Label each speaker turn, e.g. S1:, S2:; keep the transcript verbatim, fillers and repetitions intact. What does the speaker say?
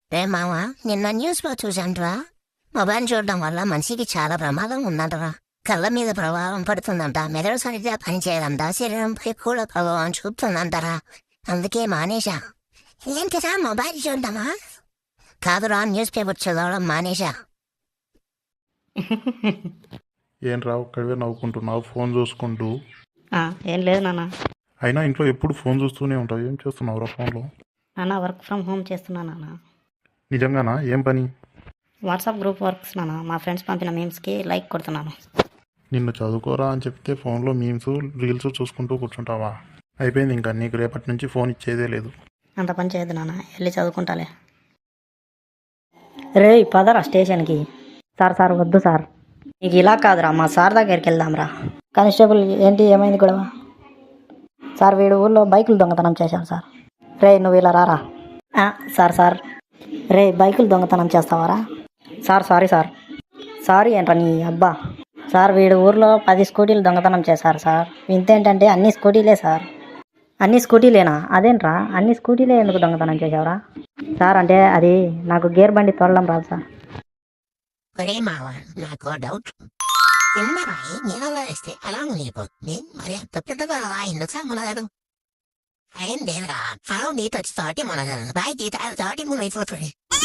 S1: రే మామ, నిన్న న్యూస్లో చూశాంట్రా. మొబైల్ చూడడం వల్ల మనిషికి చాలా ప్రమాదం ఉందంటరా. కళ్ళ మీద ప్రభావం పడుతుందంట, మెదడు సరిగ్గా పనిచేయదంట, శరీరంపై కూడా ప్రభావం చూపుతుందంటారా. అందుకే మానేశా. ఏంటిరా మొబైల్ చూడడమా? కాదురా, న్యూస్ పేపర్ చదవడం మానేశా.
S2: ఏం రా ఒక్కడివే నవ్వుకుంటున్నావు ఫోన్ చూసుకుంటూ?
S3: ఆ, ఏం లేదు నాన్న.
S2: అయినా ఇంట్లో ఎప్పుడు ఫోన్ చూస్తూనే ఉంటావు, ఏం చేస్తున్నావు రా ఫోన్లో?
S3: నాన్న వర్క్ ఫ్రమ్ హోమ్ చేస్తున్నా నాన్న.
S2: నిజంగానా? ఏం పని?
S3: వాట్సాప్ గ్రూప్ వర్క్స్ నాన్న. మా ఫ్రెండ్స్ పంపిన మీమ్స్కి లైక్ కొడుతున్నాను.
S2: నిన్ను చదువుకోరా అని చెప్తే ఫోన్లో మీమ్స్ రీల్స్ చూసుకుంటూ కూర్చుంటావా? అయిపోయింది, ఇంకా నీకు రేపటి నుంచి ఫోన్ ఇచ్చేదే లేదు.
S3: అంత పని చేయొద్దు నాన్న, వెళ్ళి చదువుకుంటాలే. రే పదరా స్టేషన్కి. సార్ సార్ వద్దు సార్. నీకు ఇలా కాదురా, మా సార్ దగ్గరికి వెళ్దాంరా. కానిస్టేబుల్ ఏంటి, ఏమైంది గొడవ? సార్ వీడు ఊళ్ళో బైకులు దొంగతనం చేశారు సార్. రే నువ్వు ఇలా రారా. ఆ, సార్ సార్. రే బైకులు దొంగతనం చేస్తావారా? Sir sorry sir. సారీ ఏంట్రా నీ అబ్బా. సార్ వీడు ఊర్లో పది స్కూటీలు దొంగతనం చేశారు సార్. ఇంతేంటంటే అన్ని స్కూటీలే సార్. అన్ని స్కూటీలేనా? అదేంట్రా అన్ని స్కూటీలే ఎందుకు దొంగతనం చేసావురా? సార్ అంటే అది నాకు గేర్ బండి తోలడం రాదు సార్.
S1: ఒరే మావ, నాకు డౌట్. చిన్న రాయి నీళ్ళలో వేస్తే అలా మునిగిపోతుంది, మరి అంత పెద్దగా రాయి ఎందుకు మునగదు? ఏం లేదురా, పొలం నీతో తోటి మునగదు, రాయి తీత తోటి మునిగిపోతుంది.